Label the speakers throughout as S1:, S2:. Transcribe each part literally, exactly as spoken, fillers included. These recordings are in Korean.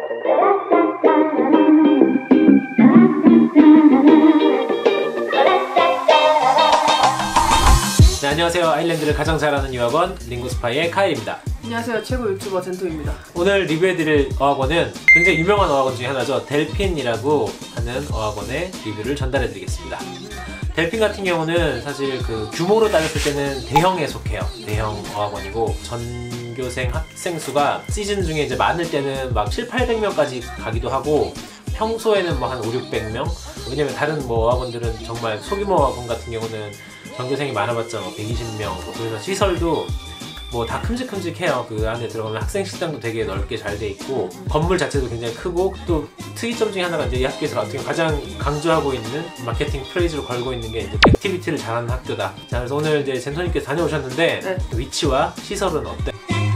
S1: 네, 안녕하세요. 아일랜드를 가장 잘하는 유학원 링구스파이의 카이입니다.
S2: 안녕하세요. 최고 유튜버 젠토입니다.
S1: 오늘 리뷰해드릴 어학원은 굉장히 유명한 어학원 중에 하나죠. 델핀이라고 하는 어학원의 리뷰를 전달해드리겠습니다. 델핀 같은 경우는 사실 그 규모로 따졌을 때는 대형에 속해요. 대형 어학원이고 전교생 학생 수가 시즌 중에 이제 많을 때는 막 칠팔백 명까지 가기도 하고 평소에는 뭐 한 오육백 명? 왜냐면 다른 뭐 어학원들은 정말 소규모 어학원 같은 경우는 전교생이 많아봤자 뭐 백이십 명, 뭐 그래서 시설도 뭐 다 큼직큼직해요. 그 안에 들어가면 학생 식당도 되게 넓게 잘 돼 있고 건물 자체도 굉장히 크고, 또 특이점 중에 하나가 이제 이 학교에서 어떻게 가장 강조하고 있는 마케팅 프레이즈로 걸고 있는 게 이제 액티비티를 잘하는 학교다. 자, 그래서 오늘 이제 젠토님께서 다녀오셨는데 네. 위치와 시설은 어때?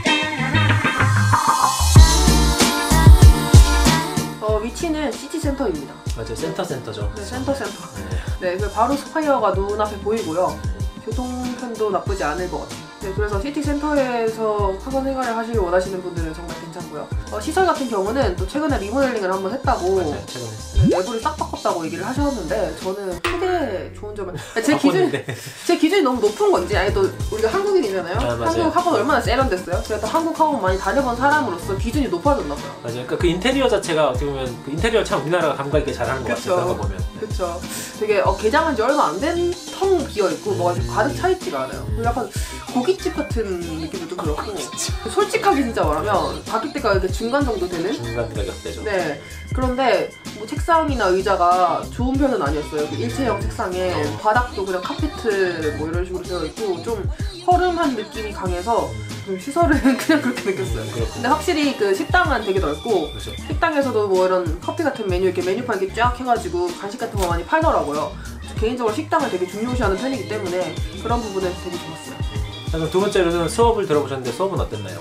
S2: 어, 위치는 시티센터입니다.
S1: 맞아요. 센터 센터죠.
S2: 네, 센터 센터. 네, 그 바로 스파이어가 눈앞에 보이고요. 교통편도 나쁘지 않을 것 같아요. 네, 그래서 시티센터에서 학원 생활을 하시길 원하시는 분들은 정말 괜찮고요. 어, 시설 같은 경우는 또 최근에 리모델링을 한번 했다고.
S1: 맞아요, 최근에 했어요.
S2: 네, 내부를 싹 바꿨다고 얘기를 하셨는데 저는 크게 좋은 점은 제 기준 제 기준이 너무 높은 건지, 아니 또 우리가 한국인이잖아요.
S1: 아,
S2: 한국 학원 얼마나 세련됐어요. 제가 또 한국 학원 많이 다녀본 사람으로서 기준이 높아졌나 봐요.
S1: 맞아요. 그러니까 그 인테리어 자체가 어떻게 보면 그 인테리어 참 우리나라가 감각 있게 잘하는 것 같아요. 그런 거 보면.
S2: 그렇죠. 되게 어, 개장한 지 얼마 안 된 텅 비어 있고 뭐가 좀 가득 차 있지가 않아요. 그리고 약간 고깃집 같은 느낌도 좀 그렇고. 솔직하게 진짜 말하면 가격대가 이렇게 중간 정도 되는?
S1: 중간 가격대죠.
S2: 네. 그런데 뭐 책상이나 의자가 좋은 편은 아니었어요. 그 일체형 책상에 어. 바닥도 그냥 카페트 뭐 이런 식으로 되어 있고 좀 허름한 느낌이 강해서 좀 시설은 그냥 그렇게 느꼈어요. 음, 근데 확실히 그 식당은 되게 넓고
S1: 그렇죠.
S2: 식당에서도 뭐 이런 커피 같은 메뉴 이렇게 메뉴판 이렇게 쫙 해가지고 간식 같은 거 많이 팔더라고요. 개인적으로 식당을 되게 중요시하는 편이기 때문에 그런 부분에서 되게 좋았어요.
S1: 자, 그럼 두 번째로는 수업을 들어보셨는데 수업은 어땠나요?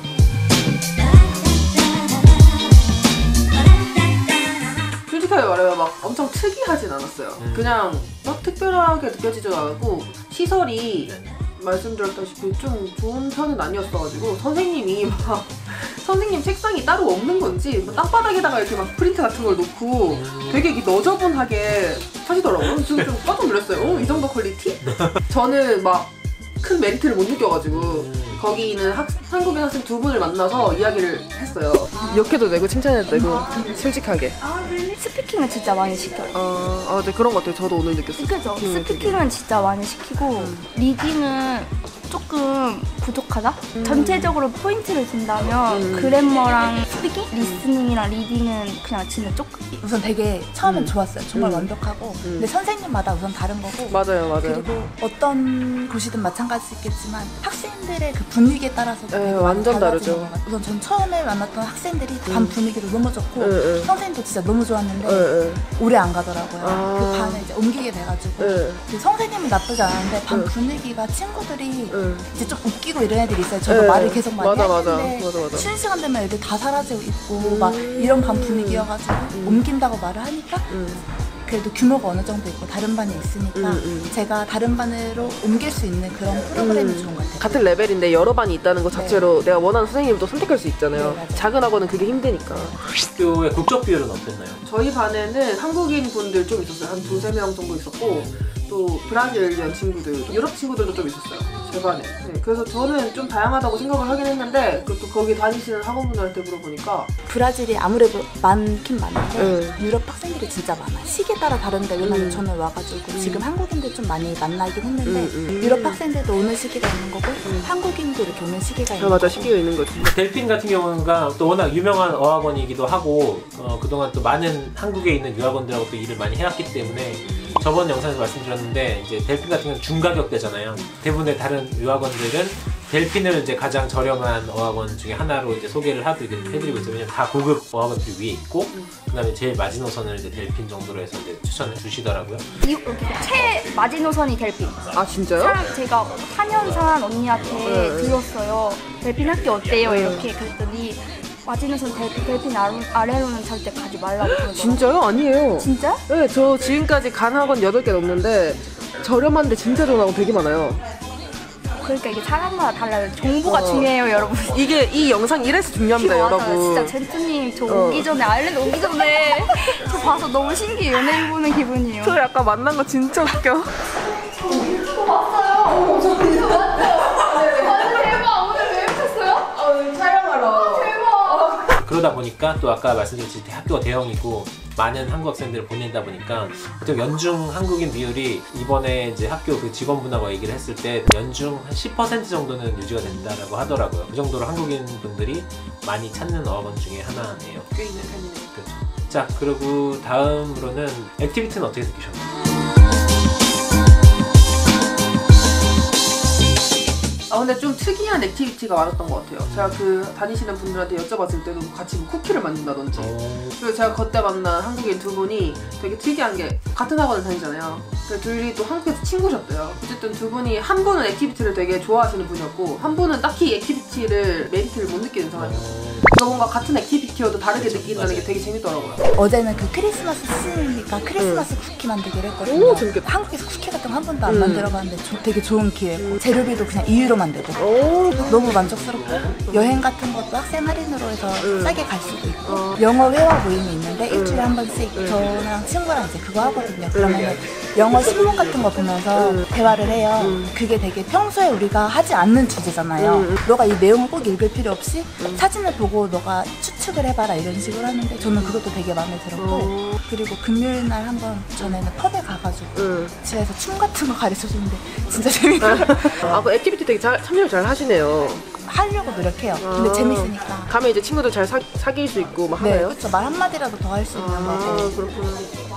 S2: 솔직하게 말하면 막 엄청 특이하진 않았어요. 음. 그냥 막 특별하게 느껴지지도 않았고 시설이 네. 말씀드렸다시피 좀 좋은 편은 아니었어가지고 선생님이 막 선생님 책상이 따로 없는 건지 뭐 땅바닥에다가 이렇게 막 프린트 같은 걸 놓고 음. 되게 이렇게 너저분하게 하시더라고요. 저는 좀 깜짝 놀랐어요. 어, 이 정도 퀄리티? 저는 막 큰 메리트를 못 느껴가지고 음. 거기 있는 학, 한국인 학생 두 분을 만나서 이야기를 했어요. 욕해도 되고 칭찬해도 되고 솔직하게.
S3: 스피킹은 진짜 많이 시켜요.
S2: 어, 아, 네, 그런 것 같아요. 저도 오늘 느꼈어요.
S3: 그죠? 스피킹은 되게. 진짜 많이 시키고 음. 리딩은 조금 부족하다? 음. 전체적으로 포인트를 준다면 음. 그래머랑 스피킹? 리스닝이랑 리딩은 그냥 진짜 조금
S4: 우선 되게 처음엔
S2: 음.
S4: 좋았어요. 정말
S2: 음.
S4: 완벽하고
S2: 음.
S4: 근데 선생님마다 우선 다른 거고
S2: 맞아요, 맞아요.
S4: 그리고 어떤 곳이든 마찬가지겠지만 학생들의 그 분위기에 따라서
S2: 에, 완전 다르죠.
S4: 우선 전 처음에 만났던 학생들이 반
S2: 음.
S4: 분위기도 너무 좋고
S2: 에, 에.
S4: 선생님도 진짜 너무 좋았는데
S2: 에, 에.
S4: 오래 안 가더라고요.
S2: 아.
S4: 그 반에 이제 옮기게 돼가지고
S2: 에.
S4: 그 선생님은 나쁘지 않은데 반
S2: 에.
S4: 분위기가 친구들이
S2: 에.
S4: 이제 좀 웃기고 이런 애들이 있어요. 저도
S2: 에.
S4: 말을 계속 많이
S2: 맞아,
S4: 했는데
S2: 맞아. 맞아, 맞아.
S4: 쉬는 시간 되면 애들 다 사라지고 있고
S2: 음.
S4: 막 이런 반 분위기여가지고
S2: 음.
S4: 옮긴다고 말을 하니까
S2: 음.
S4: 그래도 규모가 어느 정도 있고 다른 반이 있으니까
S2: 음, 음.
S4: 제가 다른 반으로 옮길 수 있는 그런 프로그램이
S2: 음.
S4: 좋은 것 같아요.
S2: 같은 레벨인데 여러 반이 있다는 것 자체로
S4: 네.
S2: 내가 원하는 선생님도 선택할 수 있잖아요.
S4: 네,
S2: 작은 학원은 그게 힘드니까.
S1: 학교의 국적 비율은 어땠나요?
S2: 저희 반에는 한국인 분들 좀 있었어요. 한 두세 명 정도 있었고 또 브라질리언 친구들, 유럽 친구들도 좀 있었어요. 제 반에. 네, 그래서 저는 좀 다양하다고 생각을 하긴 했는데 또 거기 다니시는 학원분들한테 물어보니까
S4: 브라질이 아무래도 많긴 많은데
S2: 네.
S4: 유럽 학생들이 진짜 많아요. 시기에 따라 다른데 왜냐면
S2: 음.
S4: 저는 와가지고
S2: 음.
S4: 지금 한국인들 좀 많이 만나긴 했는데
S2: 음, 음.
S4: 유럽 학생들도 오는 시기가 있는 거고
S2: 음.
S4: 한국인도 이렇게 오는 시기가 있는
S2: 아, 맞아.
S4: 거고
S2: 시기가 있는 거죠.
S1: 델핀 같은 경우가 또 워낙 유명한 어학원이기도 하고 어, 그동안 또 많은 한국에 있는 유학원들하고 또 일을 많이 해왔기 때문에 저번 영상에서 말씀드렸는데 이제 델핀 같은 경우는 중가격대잖아요. 대부분의 다른 유학원들은 델핀을 이제 가장 저렴한 어학원 중에 하나로 이제 소개를 하드리고 해드리고 있어요. 왜냐면 다 고급 어학원들이 위에 있고 그다음에 제일 마지노선을 이제 델핀 정도로 해서 이제 추천해 주시더라고요.
S3: 이 최 마지노선이 델핀.
S2: 아 진짜요?
S3: 사람 제가 사 년 산 언니한테
S2: 네.
S3: 들었어요. 델핀 학교 어때요?
S2: 네.
S3: 이렇게 그랬더니 마지노선 델핀, 델핀 아래로는 절대 가지 말라고 그러더라고요.
S2: 진짜요? 아니에요.
S3: 진짜?
S2: 네, 저 지금까지 간 학원 여덟 개 넘는데 저렴한데 진짜 좋은 학원 되게 많아요.
S3: 그러니까 이게 사람마다 달라요. 정보가
S2: 어.
S3: 중요해요, 여러분.
S2: 이게 이 영상 이래서 중요합니다,
S3: 맞아요.
S2: 여러분.
S3: 진짜 젠트님 저
S2: 어.
S3: 오기 전에 아일랜드 오기 전에 저 봐서 너무 신기해. 연예인 보는 기분이에요.
S2: 저 약간 만난 거 진짜 웃겨.
S3: 봤어요. 저 대박. 오늘 왜 오셨어요?
S2: 촬영하러.
S3: 대박.
S1: 그러다 보니까 또 아까 말씀드렸듯이 학교가 대형이고 많은 한국 학생들을 보낸다 보니까 보통 연중 한국인 비율이 이번에 이제 학교 그 직원분하고 얘기를 했을 때 연중 한 십 퍼센트 정도는 유지가 된다라고 하더라고요. 그 정도로 한국인 분들이 많이 찾는 어학원 중에 하나예요.
S2: 꽤 있는 편이네.
S1: 그렇죠. 자, 그리고 다음으로는 액티비티는 어떻게 느끼셨나요?
S2: 아 근데 좀 특이한 액티비티가 많았던 것 같아요. 제가 그 다니시는 분들한테 여쭤봤을 때도 같이 뭐 쿠키를 만든다든지.
S1: 어...
S2: 그리고 제가 그때 만난 한국인 두 분이 되게 특이한 게 같은 학원을 다니잖아요. 그 둘이 또 한국에서 친구셨대요. 어쨌든 두 분이 한 분은 액티비티를 되게 좋아하시는 분이었고 한 분은 딱히 액티비티를 메리트를 못 느끼는 상황이었어요.
S1: 어...
S2: 그러니까 뭔가 같은 액티비티여도 다르게
S1: 그렇죠.
S2: 느낀다는
S1: 맞아요.
S2: 게 되게 재밌더라고요.
S4: 어제는 그 크리스마스 시즌이니까 크리스마스 쿠키 만들기로 했거든요.
S2: 오, 재밌겠다.
S4: 한국에서 쿠키 같은 거 한 번도 안
S2: 음.
S4: 만들어봤는데 조- 되게 좋은 기회고 재료비도 그냥 이 유로 만들고
S2: 오,
S4: 너무 만족스럽고 여행 같은 것도 학생 할인으로 해서
S2: 음.
S4: 싸게 갈 수도 있고
S2: 어.
S4: 영어 회화 모임이 있는데 일주일에 한 번씩 저랑 친구랑 이제 그거 하거든요. 그러면 영어 신문 같은 거 보면서 대화를 해요. 그게 되게 평소에 우리가 하지 않는 주제잖아요.
S2: 음.
S4: 너가 이 내용을 꼭 읽을 필요 없이 사진을 보고 너가 추측을 해봐라 이런 식으로 하는데 저는 그것도 되게 마음에 들었고
S2: 어.
S4: 그리고 금요일 날 한 번 전에는 펍에 가가지고
S2: 응.
S4: 집에서 춤 같은 거 가르쳐주는데 진짜 재밌어요.
S2: 아, 그 액티비티 되게 잘, 참여를 잘 하시네요.
S4: 하려고 노력해요. 근데
S2: 아.
S4: 재밌으니까.
S2: 가면 이제 친구들 잘 사, 사귈 수 있고 막
S4: 네,
S2: 하나요?
S4: 그렇죠. 말 한마디라도 더 할 수 있는
S2: 아,
S4: 거고.
S2: 그렇구나.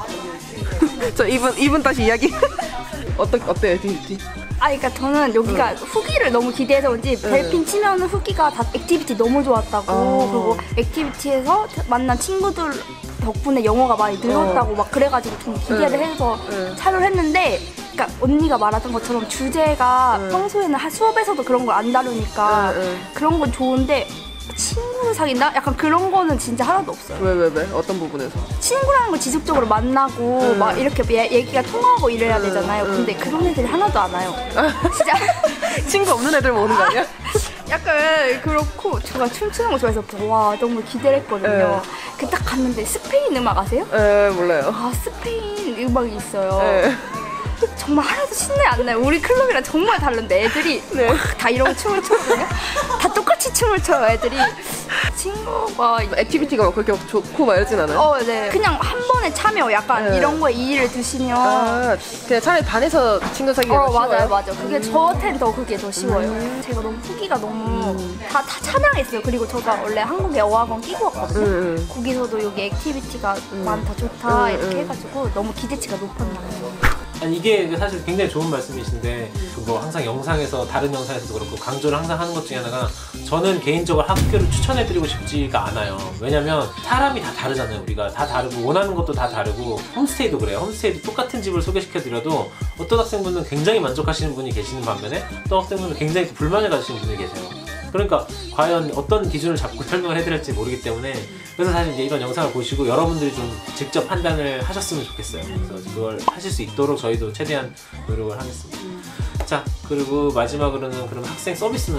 S2: 저 이분 이분 다시 이야기. 어떠 어때요, 액티비티?
S3: 아, 그러니까 저는 여기가 후기를 너무 기대해서 그런지 벨핀 치면은 후기가 다 액티비티 너무 좋았다고
S2: 어.
S3: 그리고 액티비티에서 만난 친구들 덕분에 영어가 많이 늘었다고 막 그래가지고 좀 기대를
S2: 응.
S3: 해서
S2: 응.
S3: 참여를 했는데 그러니까 언니가 말하던 것처럼 주제가
S2: 응.
S3: 평소에는 하- 수업에서도 그런 걸 안 다루니까
S2: 응, 응.
S3: 그런 건 좋은데 친구를 사귄다? 약간 그런 거는 진짜 하나도 없어요.
S2: 왜 왜 왜? 어떤 부분에서?
S3: 친구라는 걸 지속적으로 만나고
S2: 응.
S3: 막 이렇게 얘- 얘기가 통하고 이래야
S2: 응,
S3: 되잖아요.
S2: 응.
S3: 근데 그런 애들이 하나도 안 와요. 진짜
S2: 친구 없는 애들 모으는 거 아니야?
S3: 약간 그렇고 제가 춤추는 거 좋아해서 와 너무 기대를 했거든요.
S2: 네.
S3: 그 딱 갔는데 스페인 음악 아세요?
S2: 에 몰라요.
S3: 아 스페인 음악이 있어요.
S2: 에.
S3: 정말 하나도 신내 안 나요. 우리 클럽이랑 정말 다른데 애들이
S2: 네.
S3: 막 다 이런 춤을 추거든요. 다 똑같이 춤을 춰요 애들이. 친구가
S2: 액티비티가 막 그렇게 좋고 막 이러진 않아요?
S3: 어, 네. 그냥 한 번에 참여 약간
S2: 네.
S3: 이런 거에 이의를 두시면
S2: 아, 그냥 차라리 반에서 친구 사귀기가
S3: 어
S2: 쉬워요?
S3: 맞아요 맞아요 그게 저한테는 더 그게 더 쉬워요. 제가 너무 후기가 너무 다, 다 찬양했어요. 그리고 저가 원래 한국에 어학원 끼고 왔거든요.
S2: 응, 응.
S3: 거기서도 여기 액티비티가 많다 좋다
S2: 음,
S3: 이렇게
S2: 음.
S3: 해가지고 너무 기대치가 높았나요.
S1: 아니 이게 사실 굉장히 좋은 말씀이신데 그 뭐 항상 영상에서 다른 영상에서도 그렇고 강조를 항상 하는 것 중에 하나가 저는 개인적으로 학교를 추천해드리고 싶지가 않아요. 왜냐면 사람이 다 다르잖아요. 우리가 다 다르고 원하는 것도 다 다르고 홈스테이도 그래요. 홈스테이도 똑같은 집을 소개시켜드려도 어떤 학생분은 굉장히 만족하시는 분이 계시는 반면에 어떤 학생분은 굉장히 불만을 가지시는 분이 계세요. 그러니까 과연 어떤 기준을 잡고 설명을 해드릴지 모르기 때문에 그래서 사실 이제 이런 영상을 보시고 여러분들이 좀 직접 판단을 하셨으면 좋겠어요. 그래서 그걸 하실 수 있도록 저희도 최대한 노력을 하겠습니다. 자, 그리고 마지막으로는 그럼 학생 서비스는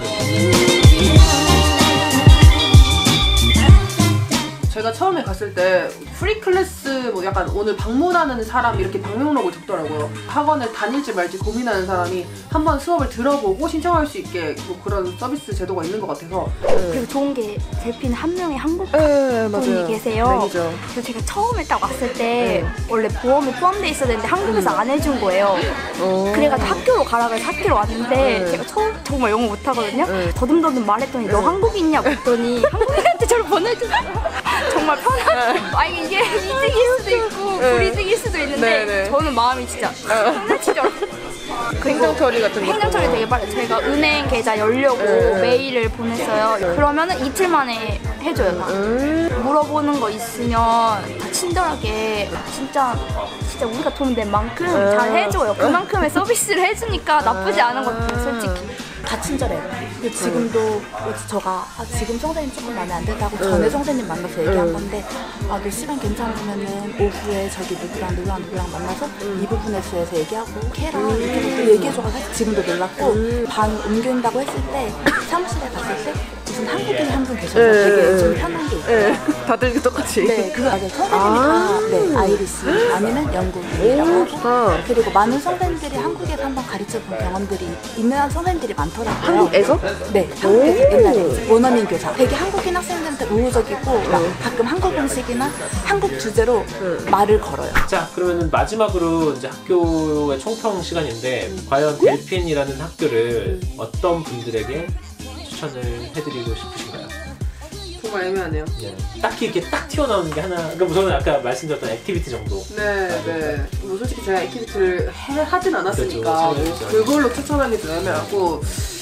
S2: 제가 처음에 갔을 때 프리 클래스 뭐 약간 오늘 방문하는 사람 이렇게 방명록을 적더라고요. 학원을 다닐지 말지 고민하는 사람이 한번 수업을 들어보고 신청할 수 있게 뭐 그런 서비스 제도가 있는 것 같아서.
S3: 그리고 좋은 게 델핀 한 명이 한국
S2: 네,
S3: 분이 계세요.
S2: 매니저.
S3: 그래서 제가 처음에 딱 왔을 때 원래 보험이 포함되어 있어야 되는데 한국에서 안 해준 거예요.
S2: 어.
S3: 그래가지고 학교로 가라 그래서 학교로 왔는데
S2: 네.
S3: 제가 처음 정말 영어 못하거든요.
S2: 네.
S3: 더듬더듬 말했더니 너 한국인이냐고 했더니 한국인한테 저를 보내주더라고요. 정말 편하게. 아 이게 이득일 수도 있고
S2: 네.
S3: 불이득일 수도 있는데
S2: 네, 네.
S3: 저는 마음이 진짜 편해지죠.
S2: 행정 처리 같은 거.
S3: 행정 처리 되게 빨리. 제가 은행 계좌 열려고
S2: 네.
S3: 메일을 보냈어요. 그러면은 이틀 만에 해줘요 다.
S2: 음.
S3: 물어보는 거 있으면 다 친절하게 진짜 진짜 우리가 돈 낸 만큼
S2: 음.
S3: 잘 해줘요. 그만큼의 서비스를 해주니까 나쁘지 않은 것 같아요 솔직히.
S4: 다 친절해요. 그리고 지금도 저가 아, 지금 선생님 조금 마음에 안 든다고 전에 선생님 만나서 얘기한 건데 아, 너 시간 괜찮으면은 오후에 저기 누구랑 누구랑 누구랑 만나서 이 부분에 대해서 얘기하고 해라 이렇게 또 얘기해줘서 지금도 놀랐고 반 옮긴다고 했을 때 사무실에 갔을 때 무슨 한국인이 한 분 계셔서 되게 좀 편한 게 있어요.
S2: 네. 다들 똑같이.
S4: 네, 그거 맞아요. 선생님이
S2: 아.
S4: 다 네, 아이리시 아니면 영국인이라고
S2: 오,
S4: 하고
S2: 좋다.
S4: 그리고 많은 선생님들이 한국에서 한번 가르쳐본 경험들이 있는 선생님들이 많더라고요.
S2: 한국에서?
S4: 네, 한국에서 옛날에 원어민 교사. 되게 한국인 학생들한테 우호적이고 막 가끔 한국 음식이나 한국 주제로 말을 걸어요.
S1: 자, 그러면 마지막으로 이제 학교의 총평 시간인데 과연 델핀이라는 학교를 어떤 분들에게 추천을 해드리고 싶으신가요?
S2: 정말 애매하네요.
S1: 네. 딱히 이렇게 딱 튀어나오는 게 하나. 그러니까 저는 아까 말씀드렸던 액티비티 정도.
S2: 네, 네. 뭐 솔직히 제가 액티비티를 해, 하진 않았으니까
S1: 그렇죠.
S2: 뭐 그걸로 추천하기 좀 애매하고.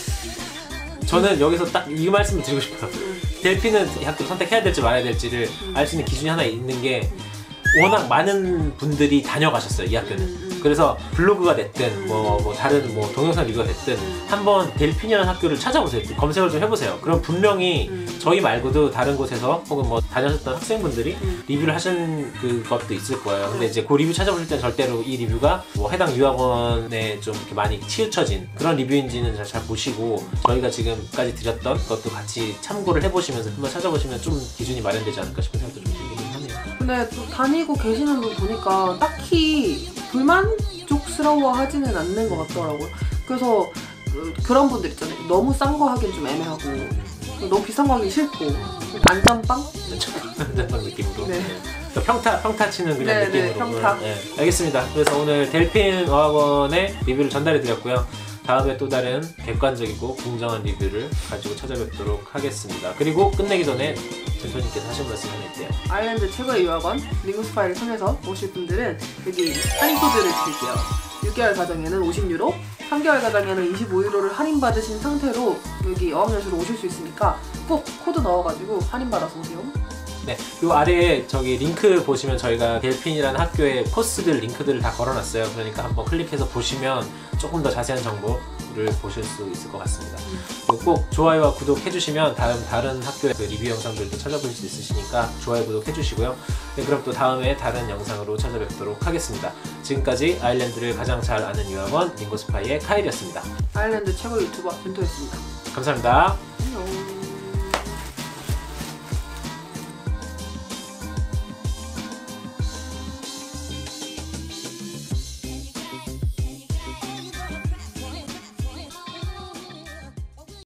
S1: 저는 여기서 딱 이 말씀을 드리고 싶어요. 델핀은 이 학교를 선택해야 될지 말아야 될지를 알 수 있는 기준이 하나 있는 게 워낙 많은 분들이 다녀가셨어요, 이 학교는. 그래서 블로그가 됐든 뭐, 뭐 다른 뭐 동영상 리뷰가 됐든 한번 델핀이라는 학교를 찾아보세요. 검색을 좀 해보세요. 그럼 분명히 저희 말고도 다른 곳에서 혹은 뭐 다녔었던 학생분들이 리뷰를 하신 그것도 있을 거예요. 근데 이제 그 리뷰 찾아보실 땐 절대로 이 리뷰가 뭐 해당 유학원에 좀 이렇게 많이 치우쳐진 그런 리뷰인지는 잘, 잘 보시고 저희가 지금까지 드렸던 것도 같이 참고를 해보시면서 한번 찾아보시면 좀 기준이 마련되지 않을까 싶은 생각도 좀 들긴 하네요.
S2: 근데 또 다니고 계시는 분 보니까 딱히 불만족스러워 하지는 않는 것 같더라고요. 그래서 그, 그런 분들 있잖아요. 너무 싼 거 하긴 좀 애매하고 너무 비싼 거 하긴 싫고 안전빵?
S1: 안전빵 느낌으로.
S2: 네.
S1: 그러니까 평타, 평타 치는 그냥
S2: 네,
S1: 느낌으로.
S2: 네, 평타.
S1: 네, 알겠습니다. 그래서 오늘 델핀 어학원의 리뷰를 전달해 드렸고요. 다음에 또 다른 객관적이고 공정한 리뷰를 가지고 찾아뵙도록 하겠습니다. 그리고 끝내기 전에 대표님께서 하신 말씀 하나 있대요.
S2: 아일랜드 최고의 유학원 링고스파이를 통해서 오실 분들은 여기 할인 코드를 드릴게요. 육 개월 가정에는 오십 유로, 삼 개월 가정에는 이십오 유로를 할인받으신 상태로 여기 어학연수로 오실 수 있으니까 꼭 코드 넣어가지고 할인받아서 오세요.
S1: 네, 요 아래에 저기 링크 보시면 저희가 델핀이라는 학교의 코스들 링크들을 다 걸어놨어요. 그러니까 한번 클릭해서 보시면 조금 더 자세한 정보를 보실 수 있을 것 같습니다. 그리고 꼭 좋아요와 구독 해주시면 다음 다른 학교의 그 리뷰 영상들도 찾아보실 수 있으시니까 좋아요, 구독 해주시고요. 네, 그럼 또 다음에 다른 영상으로 찾아뵙도록 하겠습니다. 지금까지 아일랜드를 가장 잘 아는 유학원 링고스파이의 카일이었습니다.
S2: 아일랜드 최고 유튜버 벤토였습니다.
S1: 감사합니다.
S2: 안녕.